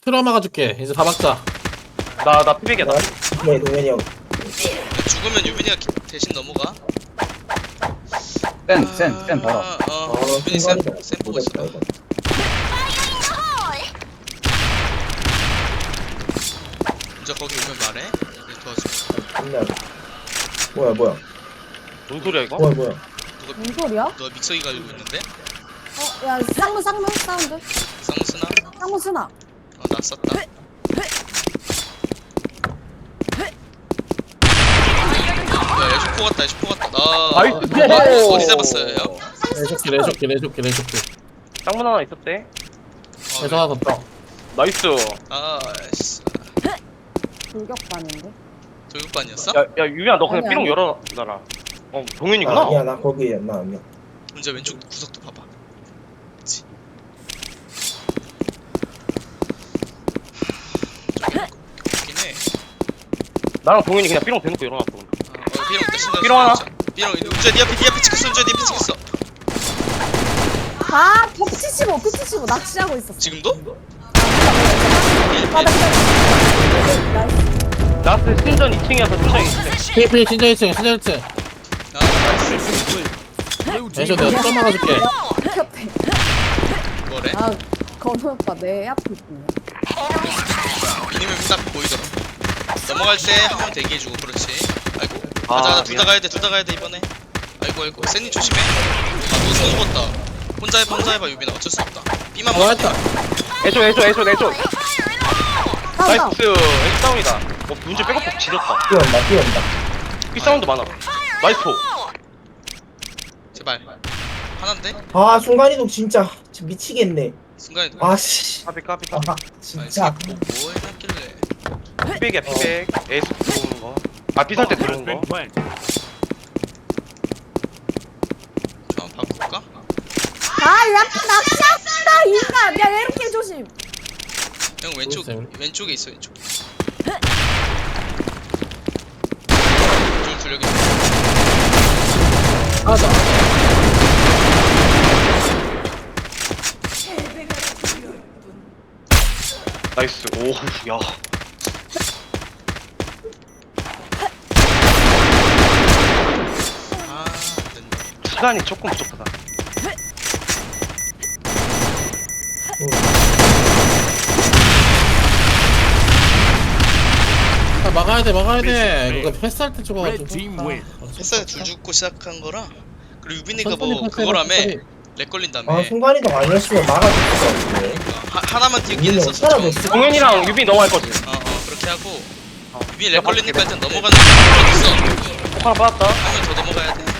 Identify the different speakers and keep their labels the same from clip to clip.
Speaker 1: 트라우마 가줄게. 이제 다 막자.
Speaker 2: 나 피백이야 나.
Speaker 3: 네, 동현이 형.
Speaker 4: 죽으면 유빈이가 대신 넘어가.
Speaker 5: 센 바로.
Speaker 4: 유빈이 쌤 보고 있어.
Speaker 3: 이거.
Speaker 4: 이제 거기 오면 말해. 내가 도와줄게.
Speaker 3: 끝나. 뭐야.
Speaker 2: 뭔 소리야 이거?
Speaker 3: 뭐야.
Speaker 6: 뭔 소리야?
Speaker 4: 너 믹서기 가지고 있는데?
Speaker 6: 야 쌍문 사운드
Speaker 4: 쌍무 쓰나?
Speaker 6: 쌍문 쓰나
Speaker 4: 나 썼다. 야, 슈퍼 같다, 슈퍼 같다.
Speaker 2: 나이스.
Speaker 4: 어디 잡았어요, 형?
Speaker 1: 레쇼키.
Speaker 2: 쌍문 하나 있었대.
Speaker 1: 그래서 하나 더 떠.
Speaker 2: 나이스.
Speaker 4: 아씨,
Speaker 6: 돌격반인데
Speaker 4: 교육반이었어?
Speaker 2: 야 유빈아 너 그냥
Speaker 6: 아니,
Speaker 2: 삐롱
Speaker 6: 아니.
Speaker 2: 열어놔라. 동현이구나.
Speaker 3: 아니야, 나 거기야. 나 아니야.
Speaker 4: 문제 왼쪽 구석도 봐봐. 그치. 저기 있긴 해.
Speaker 2: 나랑 동현이 그냥 삐롱 대놓고 열어놨어.
Speaker 4: 삐롱 있다,
Speaker 2: 삐롱 하나.
Speaker 4: 삐롱, 운전 니 앞에 찍혔어, 운전 니 앞에 찍혔어.
Speaker 6: 아 P75 낚시하고 있었어
Speaker 4: 지금도?
Speaker 2: 나스 신전 2층이어서 신전이 있어.
Speaker 1: PP 신전 1층. 레쇼 내가 트라우마 가줄게.
Speaker 6: 켰대
Speaker 4: 뭐래?
Speaker 6: 아 건우 오빠 내 앞에 있네
Speaker 4: 미니맵 딱 보이더라. 넘어갈 때 한 명 대기해주고, 그렇지. 아이고.
Speaker 2: 아,
Speaker 4: 가자, 둘 다
Speaker 2: 미안.
Speaker 4: 가야 돼, 이번에. 아이고. 샌님 조심해. 너 죽었다. 혼자 해봐, 유빈아. 어쩔 수 없다. B만
Speaker 1: 아, 했다.
Speaker 2: 애쇼.
Speaker 6: 다운
Speaker 2: 나이스. 애쇼 다운이다. 문제 백업폭 지렸다.
Speaker 3: 뛰어온다.
Speaker 2: 삐 사운드 많아. 나이스 포.
Speaker 4: 제발. 하나인데?
Speaker 3: 아, 순간이동 진짜 미치겠네.
Speaker 4: 순간에
Speaker 3: 아, 씨.
Speaker 2: 까비.
Speaker 3: 아, 진짜.
Speaker 4: 뭐 해놨길래.
Speaker 2: 피백이야 피백. 에이스 들어오는 거. 아 삐살 때 들어오는 거.
Speaker 4: 자, 바꿀까?
Speaker 6: 아야 낚시한다 인간 야 이렇게 조심
Speaker 4: 형
Speaker 1: 모르겠어요.
Speaker 4: 왼쪽에 있어, 왼쪽. 둘 여기.
Speaker 1: 하자.
Speaker 2: 나이스. 오우 야.
Speaker 4: 아, 안 된다.
Speaker 2: 시간이 조금 부족하다.
Speaker 1: 막아야 돼. 이거 패스할 때 죽어가지고.
Speaker 4: 패스에 둘 죽고 시작한 거라. 그리고 유빈이가
Speaker 1: 천천히
Speaker 4: 뭐
Speaker 1: 패스해,
Speaker 4: 그거라며.
Speaker 1: 천천히.
Speaker 4: 렉 걸린다며.
Speaker 3: 아, 순간이동 아니었으면 막아줄 수가 없네.
Speaker 4: 하나만 뛰긴
Speaker 3: 유빈이
Speaker 4: 했었어.
Speaker 3: 살아줬어.
Speaker 2: 동현이랑 유빈 넘어갈 거지.
Speaker 4: 그렇게 하고.
Speaker 2: 어.
Speaker 4: 유빈이 렉 걸리니까 일단 넘어가는 거 있어.
Speaker 2: 폭 하나 받았다.
Speaker 4: 한 명 더 넘어가야 돼.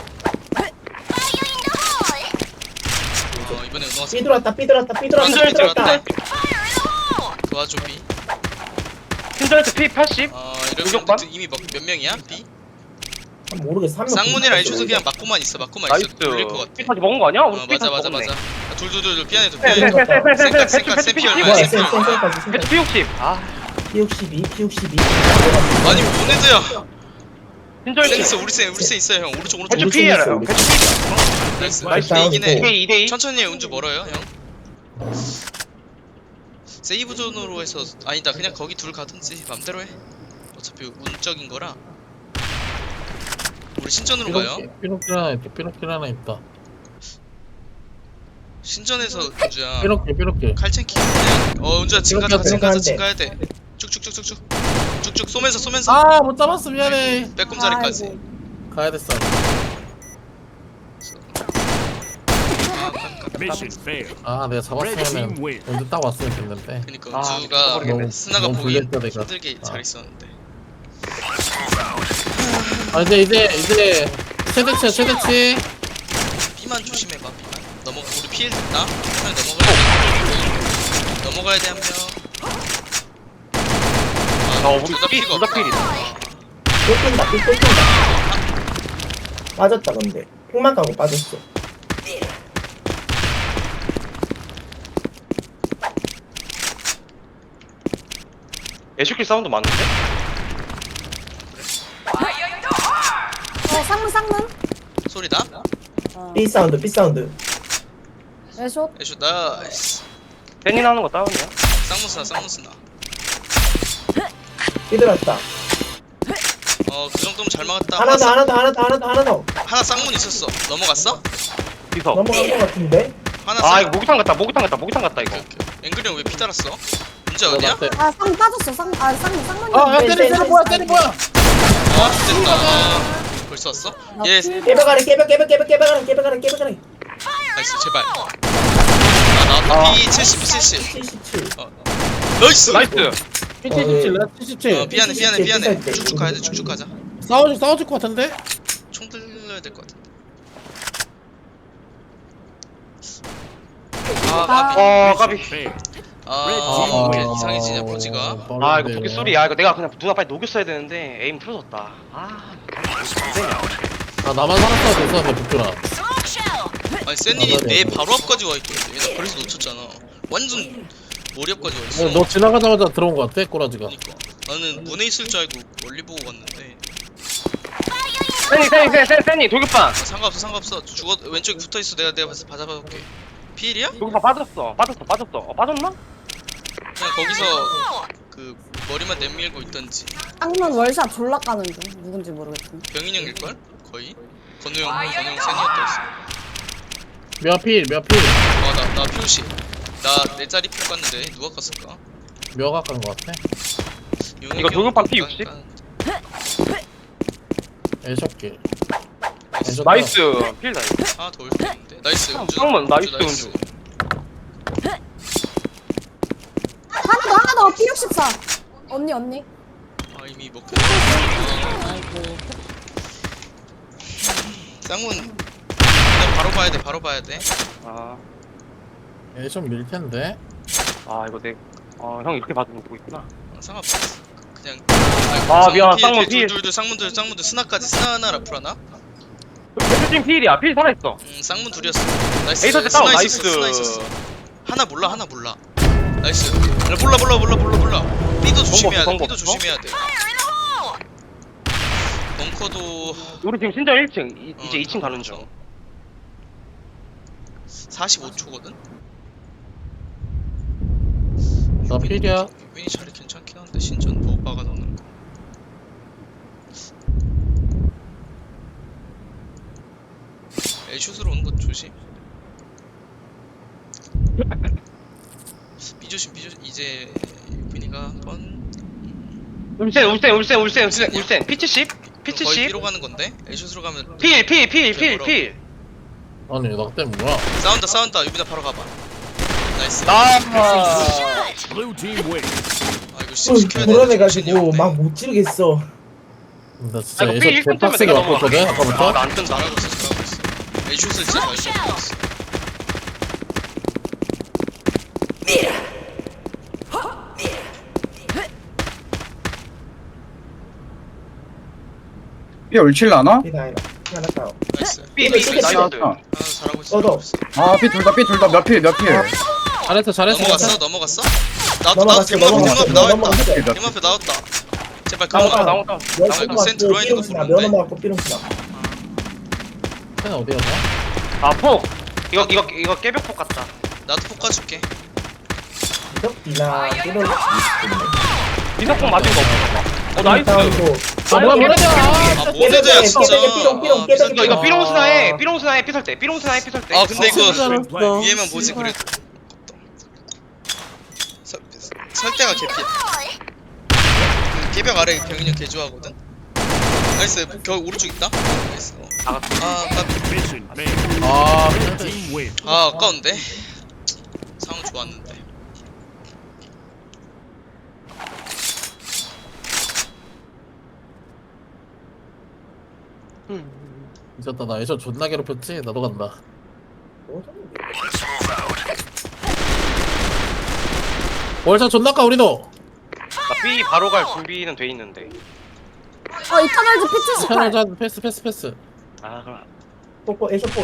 Speaker 4: 이번에 넘어갔어.
Speaker 3: 삐들었다.
Speaker 4: 도와줘, B.
Speaker 2: 신전에서 P 80.
Speaker 4: 이러면
Speaker 2: 공격반?
Speaker 4: 이미 몇 명이야? B?
Speaker 3: 모르겠어. 한 명.
Speaker 4: 쌍문이랑 애초도 그냥 막고만 있어.
Speaker 2: 나이스.
Speaker 4: 돌릴 것 같아.
Speaker 2: P까지 먹은 거 아니야? 우리
Speaker 4: 맞아.
Speaker 2: P까지 먹었네.
Speaker 4: 둘. 삐안해, 둘.
Speaker 2: 네, 배치
Speaker 4: 샘피
Speaker 3: 뭐야,
Speaker 4: 얼마야? 샘피.
Speaker 2: 배치 P60. 아
Speaker 3: P62.
Speaker 4: 아니, 뭔 애들야.
Speaker 2: 신전에서
Speaker 4: 있어, 우리 쌤 있어요, 형. 오른쪽.
Speaker 2: 배치
Speaker 3: 우리
Speaker 2: P야.
Speaker 3: 팀 있어, 우리
Speaker 2: 배치 P.
Speaker 4: 나이스.
Speaker 2: 나이스.
Speaker 4: 이긴 해.
Speaker 2: 2대2.
Speaker 4: 천천히 해. 운주 멀어요, 형. 세이브 존으로 해서 아니다. 그냥 거기 둘 가든지 맘대로 해. 어차피 운적인 거라. 우리 신전으로 가요.
Speaker 1: 삐록길 하나 있다.
Speaker 4: 신전에서 운주야.
Speaker 1: 삐록길.
Speaker 4: 칼챙키. 운주야 진 가자. 가야 돼. 쭉쭉 쏘면서.
Speaker 1: 아, 못 잡았어. 미안해.
Speaker 4: 빼꼼자리까지.
Speaker 1: 가야 됐어. 아, 내가 잡았으면은 언제 딱 왔으면 됐는데.
Speaker 4: 그니까
Speaker 2: 아,
Speaker 4: 운주가
Speaker 2: 모르겠네.
Speaker 4: 스나가
Speaker 1: 너무
Speaker 4: 보기
Speaker 1: 불렸다, 내가.
Speaker 4: 힘들게 잘 있었는데.
Speaker 1: 아, 이제 최대치.
Speaker 4: B만 조심해봐. B만. 우리 피해 됐다. 한 명 넘어가야 돼, 한 명.
Speaker 2: 우리
Speaker 4: 둘다
Speaker 2: P
Speaker 4: 피가
Speaker 2: 둘다
Speaker 4: 없다.
Speaker 2: 필이다.
Speaker 3: 삐 빠졌다, 근데. 폭만 가고 빠졌어.
Speaker 2: 애쇼킬 사운드 맞는데?
Speaker 6: 쌍문
Speaker 4: 소리 나?
Speaker 3: B 사운드.
Speaker 6: 애쇼
Speaker 4: 애쇼 나이스.
Speaker 2: 댄이 나는 거 다운이야.
Speaker 4: 쌍문스나.
Speaker 3: 삐들었다.
Speaker 4: 그 정도면 잘 막았다.
Speaker 3: 하나 더.
Speaker 4: 하나 쌍문 있었어. 넘어갔어?
Speaker 2: 비석.
Speaker 3: 넘어간 거 같은데?
Speaker 4: 하나
Speaker 2: 아
Speaker 4: 쌍.
Speaker 2: 이거 목욕탕 갔다 이거.
Speaker 4: 앵글이 형 왜 피 달았어? 문제 어디야?
Speaker 6: 아, 쌍 빠졌어. 쌍문이.
Speaker 1: 아야 때려 뭐야 때려 뭐야.
Speaker 4: 아 됐다. 벌써 왔어? 예.
Speaker 3: 깨벽아래.
Speaker 4: 나이스 제발. 나왔다. P 70.
Speaker 3: 77.
Speaker 4: 나이스.
Speaker 2: 나이스.
Speaker 1: 77 나 77.
Speaker 4: 미안해. 쭉쭉 가야 돼. 쭉쭉 가자.
Speaker 1: 싸워줄 것 같은데?
Speaker 4: 총 들려야 될 것 같아.
Speaker 2: 까비.
Speaker 4: 이렇게 이상해지냐 보지가.
Speaker 2: 아 이거 도끼 소리야. 이거 내가 그냥 누나 빨리 녹였어야 되는데 에임 틀어졌다. 안 되냐.
Speaker 1: 아 나만 살았어 됐어 북들아.
Speaker 4: 아니 센이 내 바로 앞까지 와 있거든. 나 그래서 놓쳤잖아. 완전 머리 앞까지 와 있어.
Speaker 1: 너 지나가자마자 들어온 것 같아 꼬라지가.
Speaker 4: 그러니까 나는 문에 있을 줄 알고 멀리 보고 갔는데.
Speaker 2: 세니 도끼빵.
Speaker 4: 상관없어. 죽어 왼쪽에 붙어 있어. 내가 받아볼게. 피일이야?
Speaker 2: 도끼빵 빠졌어. 빠졌나?
Speaker 4: 그냥 거기서 그 머리만 내밀고 있던지.
Speaker 6: 쌍문 월샷 졸라 까는 중. 누군지 모르겠지만.
Speaker 4: 병인 형일걸? 거의? 건우 형 센이었다 했어.
Speaker 1: 몇 필.
Speaker 4: 나 표시. 나 내 자리 표 깠는데 누가 깠을까?
Speaker 1: 몇 간 것 같아?
Speaker 2: 이거 도경판 P60?
Speaker 1: 애쇼길.
Speaker 2: 나이스. 필 나이스.
Speaker 4: 하나 더 올 수도 있는데. 나이스.
Speaker 2: 잠깐만, 나이스, 은주.
Speaker 6: 하나 더. P64. 언니.
Speaker 4: 아 이미 먹혔. 쌍문. 그냥 바로 봐야 돼.
Speaker 2: 아
Speaker 1: 애쇼 밀텐데?
Speaker 2: 이거 형 이렇게 봐주는 거 있구나.
Speaker 4: 상관없어. 그냥.
Speaker 2: 미안, 쌍문 필.
Speaker 4: 둘 쌍문들 스나까지 스나 하나 라플 하나?
Speaker 2: 대표팀 필이야. 필 살아있어.
Speaker 4: 쌍문 둘이었어. 나이스.
Speaker 2: 에이서 때 다운
Speaker 4: 스나
Speaker 2: 나이스.
Speaker 4: 있었어. 하나 몰라. 나이스. 몰라. B도 조심해야 돼. B도 조심해야 돼. 벙커도
Speaker 2: 우리 지금 신전 1층. 이제 2층 가는 중.
Speaker 4: 45초거든.
Speaker 1: 나 필이야.
Speaker 4: 유빈이 자리 괜찮긴 한데 신전 못 박아 넣는 거. A슛으로 오는 것 조심. B 조심. 이제 유빈이가 한번
Speaker 2: 울센. P70.
Speaker 4: 거의 B로 가는 건데 A슛으로 가면
Speaker 2: 필.
Speaker 1: 아니 나 때문에 뭐야?
Speaker 4: 싸운다. 유빈아 바로 가봐. 나이스. 이거 시켜야 돼.
Speaker 3: 불안해가지고 막 못 지르겠어.
Speaker 1: 나 진짜
Speaker 2: 이거
Speaker 1: 애쇼
Speaker 2: 필 1점
Speaker 1: 개빡세게 왔거든 아까부터.
Speaker 2: 나안 뜬다.
Speaker 4: 잘하고 있어. A슛을 진짜 잘 쏘고 있어.
Speaker 5: 삐 올칠라나?
Speaker 3: 하나 다운.
Speaker 4: 나이스.
Speaker 2: 삐
Speaker 3: 나이스.
Speaker 2: 나이스.
Speaker 4: 잘하고 있어.
Speaker 3: 얻어.
Speaker 5: 아, 삐 둘 다 몇 필.
Speaker 1: 잘했어.
Speaker 4: 넘어갔어?
Speaker 3: 넘어갔어.
Speaker 4: 대문 앞에 나왔다.
Speaker 3: 넘어갔어.
Speaker 4: 대문 앞에 나왔다. 제발 그만.
Speaker 2: 나온다.
Speaker 4: 센 들어와 있는 거 보는데.
Speaker 3: 면허 맞고 삐롱스나.
Speaker 1: 쟤는 어디였나?
Speaker 2: 폭. 이거 깨벽폭 같다.
Speaker 4: 나도 폭 가줄게.
Speaker 3: 이덕비나 삐롱.
Speaker 2: 민석폭 맞은 거 없어. 나이스.
Speaker 1: 뭐야
Speaker 4: 아 모네드야 진짜.
Speaker 2: 이거 삐롱스나에 피설대.
Speaker 4: 아 근데 이거
Speaker 1: 잘했어.
Speaker 4: 위에만 보지 그래도. 설대가 개피야. 그 개벽 아래 병인형 개 좋아하거든. 나이스. 겨 오른쪽 있다. 나이스. 아까운데. 상황 좋았는데.
Speaker 1: 미쳤다. 나 애쇼 존나 괴롭혔지? 나도 간다. 월차 존나 까 우리도.
Speaker 2: 나 B 바로 갈 준비는 돼 있는데.
Speaker 6: 이터널즈 P78.
Speaker 1: 편하자. 패스.
Speaker 2: 그럼.
Speaker 3: 뽀뽀 에쇼뽀.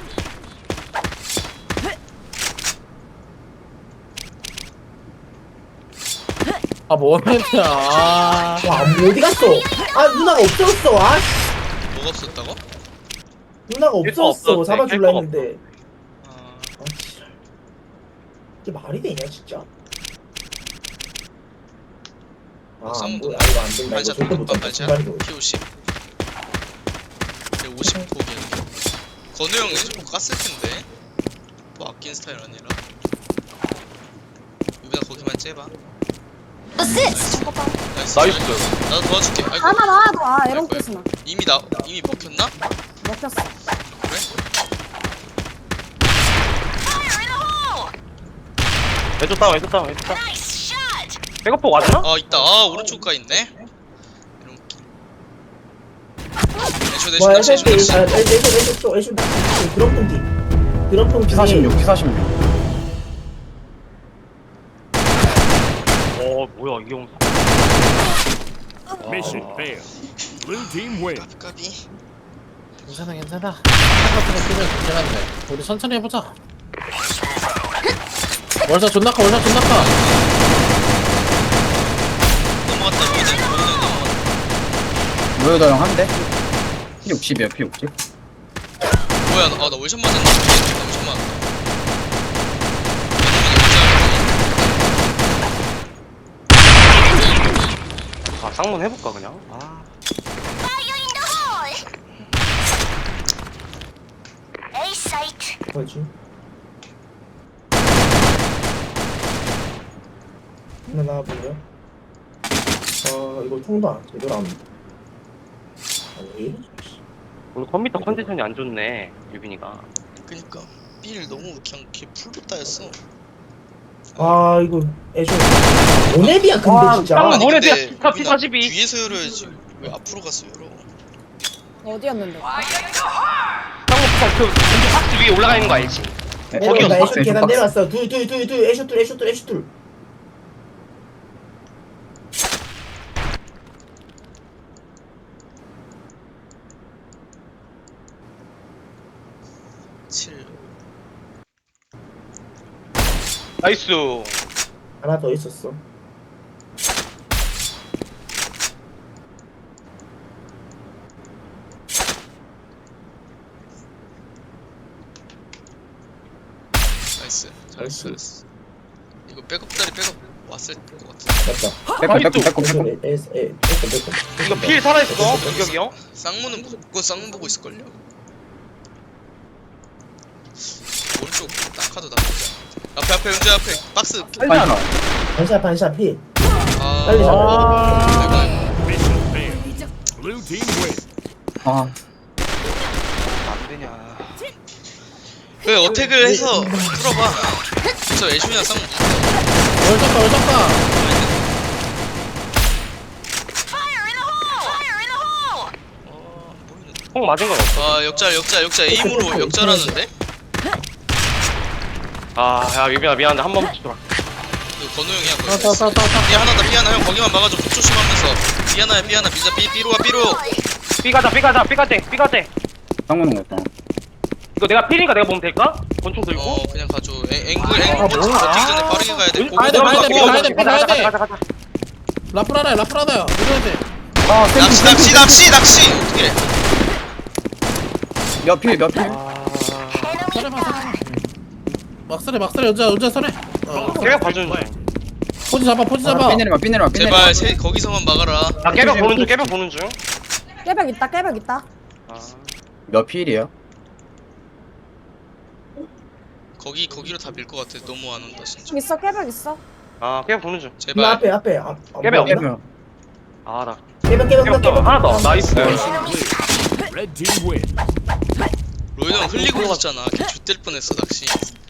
Speaker 1: 아 뭐냐? 아.
Speaker 3: 와 어디 갔어? 아 누나가 없었어. 아 씨.
Speaker 4: 뭐가 없었다고?
Speaker 3: 누나가
Speaker 2: 깰거
Speaker 3: 없었어.
Speaker 2: 없었지.
Speaker 3: 잡아줄라
Speaker 2: 깰거
Speaker 3: 했는데.
Speaker 4: 아
Speaker 3: 아 씨. 이게 말이 되냐 진짜? 아,
Speaker 4: 쌍문도
Speaker 3: 뭐야, 이거 안 된다. 이거
Speaker 4: 반샷
Speaker 3: 절대 못
Speaker 4: 반반
Speaker 3: 잡다.
Speaker 4: 반샷
Speaker 3: 중간이고.
Speaker 4: P50 50 포기야. 건우 형 예전 깠을 텐데 뭐 아낀 스타일 아니라 유빈아 거기만 째봐. 나이스.
Speaker 2: 나이스.
Speaker 4: 나도 도와줄게. 아이고
Speaker 6: 하나 나와도 아 에런
Speaker 4: 아이고야.
Speaker 6: 끝이나
Speaker 4: 이미 먹혔나?
Speaker 6: 먹혔어.
Speaker 4: 그래?
Speaker 2: 왼쪽 다운 왼쪽 다운 왼쪽 다운. 백업폭 맞나?
Speaker 4: 아 있다. 아 오른쪽 가 있네. 이런 애쇼
Speaker 3: 뭐야,
Speaker 4: 애쇼 애쇼 애쇼.
Speaker 3: 애쇼 드럼통 뒤. 드럼통 뒤에.
Speaker 5: P46 P46
Speaker 2: 뭐야 이게 형.
Speaker 7: Mission failed. Blue team win.
Speaker 4: 까비 까비.
Speaker 1: 괜찮아 괜찮아. 똑같은 끼면 좋긴 한데 우리 천천히 해보자. 월샷 존나 커 월샷 존나 커.
Speaker 4: 넘어갔다 로이드 넘어갔다.
Speaker 5: 로여다 형 한대 P60이야 P60
Speaker 4: 뭐야 나 월샷 맞았나? 나 월샷 맞았다.
Speaker 2: 아 쌍문 해볼까 그냥. 아.
Speaker 3: 뭐지? 하나 나와볼래? 이거 통도 안 제대로 안. 아니, 왜 이러지?
Speaker 2: 오늘 컴퓨터 컨디션이 안 좋네 유빈이가.
Speaker 4: 그니까 B를 너무 그냥 걔 풀로 따였어.
Speaker 3: 아, 이거 애쇼. 오네비야, 근데
Speaker 2: 와,
Speaker 3: 진짜.
Speaker 2: 쌍문
Speaker 4: 아니
Speaker 2: 뭐래,
Speaker 4: 근데
Speaker 2: 피카,
Speaker 4: 유빈아,
Speaker 2: P42.
Speaker 4: 뒤에서 열어야지 왜 앞으로 갔어 열어.
Speaker 6: 어디였는데?
Speaker 2: 쌍문 그 왼쪽 박스 위에 올라가 있는 거 알지?
Speaker 3: 거기 나
Speaker 5: 박스,
Speaker 3: 애쇼 계단
Speaker 5: 박스.
Speaker 3: 내려왔어. 애쇼 둘.
Speaker 4: 7.
Speaker 2: 나이스.
Speaker 3: 하나 더 있었어.
Speaker 4: 나이스.
Speaker 3: 나이스.
Speaker 4: 잘했어. 이거 백업다리 백업 왔을 것 같아.
Speaker 3: 맞다.
Speaker 5: 빼꼼
Speaker 2: 이거 필 살아있어 공격이 형.
Speaker 4: 쌍문은 무조건 쌍문 보고 있을걸요? 오른쪽 낙하도 나쁘지 않아. 앞에 은재 앞에 박스.
Speaker 3: 반샷 피.
Speaker 4: 아,
Speaker 3: 빨리 잡아.
Speaker 4: 아이고, 아이고.
Speaker 7: Mission failed. Blue team win.
Speaker 5: 아
Speaker 2: 안 되냐.
Speaker 4: 그 어택을 해서 풀어봐. 저 애쇼이랑 쌍문
Speaker 1: 월샷 가 월샷 가.
Speaker 4: 보이는데.
Speaker 2: 폭 맞은 건 없어.
Speaker 4: 아 역잘 에임으로 역잘하는데?
Speaker 2: 아야 유빈아 미안한데 한 번만 쳐라.
Speaker 4: 이거 건우 형이야 거기.
Speaker 1: 따따따따.
Speaker 4: 삐 하나다 삐 하나 형 거기만 막아줘. 폭 조심하면서. 삐 하나야 미자 삐로 와 삐로.
Speaker 2: 삐가자.
Speaker 5: 쌍문은 거였다
Speaker 2: 이거 내가 필이니까 내가 보면 될까? 권총 들고.
Speaker 4: 그냥 가줘. 앵글
Speaker 1: 아,
Speaker 4: 버티기
Speaker 1: 뭐야.
Speaker 4: 전에 빠르게 가야 돼.
Speaker 1: 가야 돼, 가야 돼,
Speaker 4: 고고.
Speaker 1: 가야 돼.
Speaker 2: 가자.
Speaker 1: 라프라다야 이래야 돼.
Speaker 5: 아
Speaker 4: 낚시 어떻게 해?
Speaker 5: 몇필
Speaker 1: 서래봐. 막설해 연자 설해.
Speaker 2: 깨벽 봐주는 중.
Speaker 1: 포지 잡아.
Speaker 5: 삐 내리마
Speaker 4: 제발 거기서만 막아라.
Speaker 2: 나 깨벽 보는 중.
Speaker 6: 깨벽 있다.
Speaker 2: 아.
Speaker 5: 몇 필이야?
Speaker 4: 거기로 다 밀 것 같아. 너무 안 온다 진짜.
Speaker 6: 있어 깨벽 있어.
Speaker 2: 아 깨벽 보는 중.
Speaker 3: 나
Speaker 4: 제발.
Speaker 3: 앞에.
Speaker 2: 깨벽.
Speaker 5: 깨면
Speaker 2: 아 나.
Speaker 3: 깨벽.
Speaker 2: 하나 더. 나이스.
Speaker 7: Red team win.
Speaker 4: 로이드 형 흘리고 있었잖아. 걔 X될 뻔했어 낚시.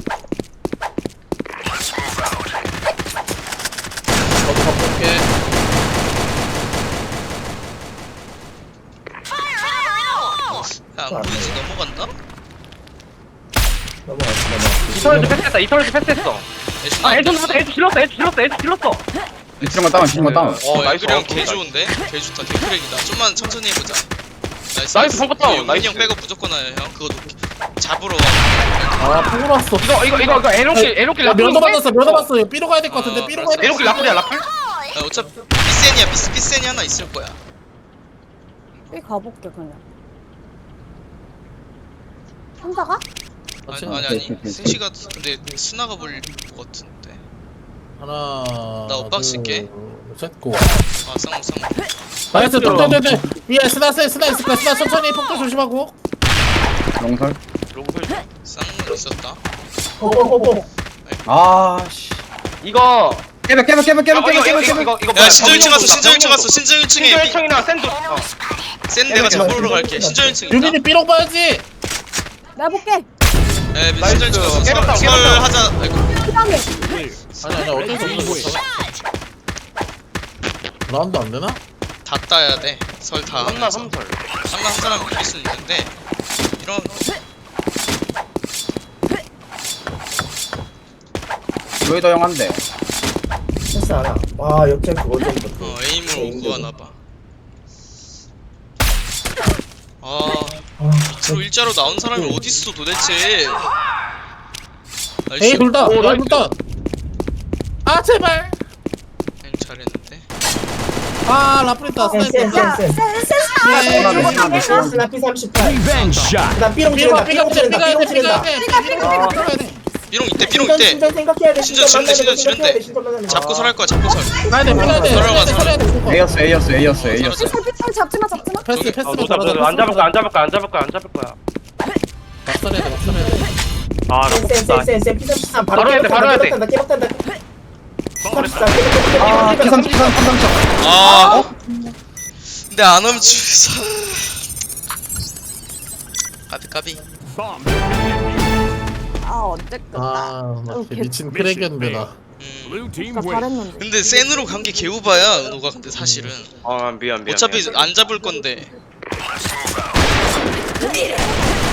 Speaker 4: 야안 보이지? 넘어간다?
Speaker 3: 넘어갔어.
Speaker 2: 이터널즈 패스했어.
Speaker 4: 애쉬
Speaker 2: 아 애주 질렀어.
Speaker 5: 이틀만 다운
Speaker 2: 나이스.
Speaker 4: 앵글이 형개 좋은데? 개 좋다. 개 크랙이다. 좀만 천천히 해보자.
Speaker 2: 나이스, 성공 다운.
Speaker 4: 용민이
Speaker 2: 나이스.
Speaker 4: 형 백업 무조건 와요 형. 그거 잡으러 와.
Speaker 1: 아 폭으로 왔어.
Speaker 2: 이거 에로킬
Speaker 1: 면도 받았어. 이거 삐로 가야 될 것 같은데. 삐로 가야 돼.
Speaker 2: 에로킬 라플이야 라플?
Speaker 4: 아, 어차피 삐센이야. 삐센이 하나 있을 거야.
Speaker 6: 삐 가볼게 그냥. 혼자 가?
Speaker 4: 아니 승시가 근데 스나가 볼 것 같은데.
Speaker 1: 하나.
Speaker 4: 나 엇박 쓸게.
Speaker 1: 셋고.
Speaker 4: 아 쌍무.
Speaker 1: 나이스 똥똥똥똥. 위에 스나 있을 거야. 스나 천천히 폭도 조심하고.
Speaker 5: 롱설.
Speaker 2: 로그설.
Speaker 4: 쌍무 있었다.
Speaker 3: 호호호호.
Speaker 5: 아씨.
Speaker 2: 이거
Speaker 5: 깨벽.
Speaker 2: 이거
Speaker 4: 야 신전 1층 갔어.
Speaker 2: 병인도
Speaker 4: 신전 1층
Speaker 2: 병인도.
Speaker 4: 갔어. 신전 1층에
Speaker 2: 신전 1층이랑 샌드.
Speaker 4: 센 내가 잡으러 갈게. 신전 1층 있다.
Speaker 1: 유빈이 삐롱 봐야지.
Speaker 6: 내가 볼게.
Speaker 4: 에 신전 1층 갔어.
Speaker 2: 깨끗하고,
Speaker 4: 설
Speaker 2: 깨끗하고.
Speaker 4: 하자. 아이고.
Speaker 6: 피방해.
Speaker 7: Clear.
Speaker 1: 아니 어쩔 수
Speaker 7: Red team
Speaker 1: 없어.
Speaker 7: win.
Speaker 1: 라운드 안 되나?
Speaker 4: 다 따야 돼. 설 다
Speaker 2: 한나
Speaker 4: 하면서.
Speaker 2: 삼설.
Speaker 4: 한 사람 이길 수 있는데 이런
Speaker 5: 로이더 형 한대.
Speaker 3: 패스 하나. 와 역전 그거 좀.
Speaker 4: 에임을 구하나 봐. 아
Speaker 3: 아,
Speaker 4: 밑으로 일자로 나온 사람이 어디 있어 도대체?
Speaker 1: 에이 둘다.
Speaker 2: 오,
Speaker 1: 에이
Speaker 2: 나이스.
Speaker 1: 둘다. 아 제발.
Speaker 4: 에임 잘했는데.
Speaker 1: 아 라프리타 스나이퍼.
Speaker 6: 야,
Speaker 3: 센.
Speaker 1: 네.
Speaker 3: 스나 P38.
Speaker 7: Revenge shot.
Speaker 3: 그다음 삐롱 지른다. 삐롱 지른다.
Speaker 4: 삐롱 이때.
Speaker 3: 신전 생각해야 돼.
Speaker 4: 신전 지른대, 신전 지른대.
Speaker 3: 신전 만나는 거.
Speaker 4: 잡고 설할 거야. 잡고 설.
Speaker 1: 가야 돼.
Speaker 4: 들어가,
Speaker 1: 살아야 돼.
Speaker 5: A였어.
Speaker 4: 설하자.
Speaker 6: 잡지 마.
Speaker 1: 패스
Speaker 4: 저기,
Speaker 1: 패스.
Speaker 2: 너 안 잡을 거야.
Speaker 1: 막설해야 돼.
Speaker 2: 아, 나 못다.
Speaker 3: 센 P33
Speaker 2: 바로 해야 돼, 바로 해야 돼.
Speaker 3: 깨박탄다. 33
Speaker 5: 아,
Speaker 3: 깨박탄다.
Speaker 5: P33.
Speaker 4: 아. 근데 안 오면 주사. 까비.
Speaker 7: Bomb.
Speaker 6: 아 어쨌든.
Speaker 1: 아, 나 진짜 미친 크랙이었는데 나.
Speaker 7: Blue team
Speaker 6: 나
Speaker 7: win.
Speaker 6: 잘했는데.
Speaker 4: 근데 센으로 간 게 개우바야 은호가 근데 사실은
Speaker 2: 아, 미안.
Speaker 4: 어차피 안 잡을 건데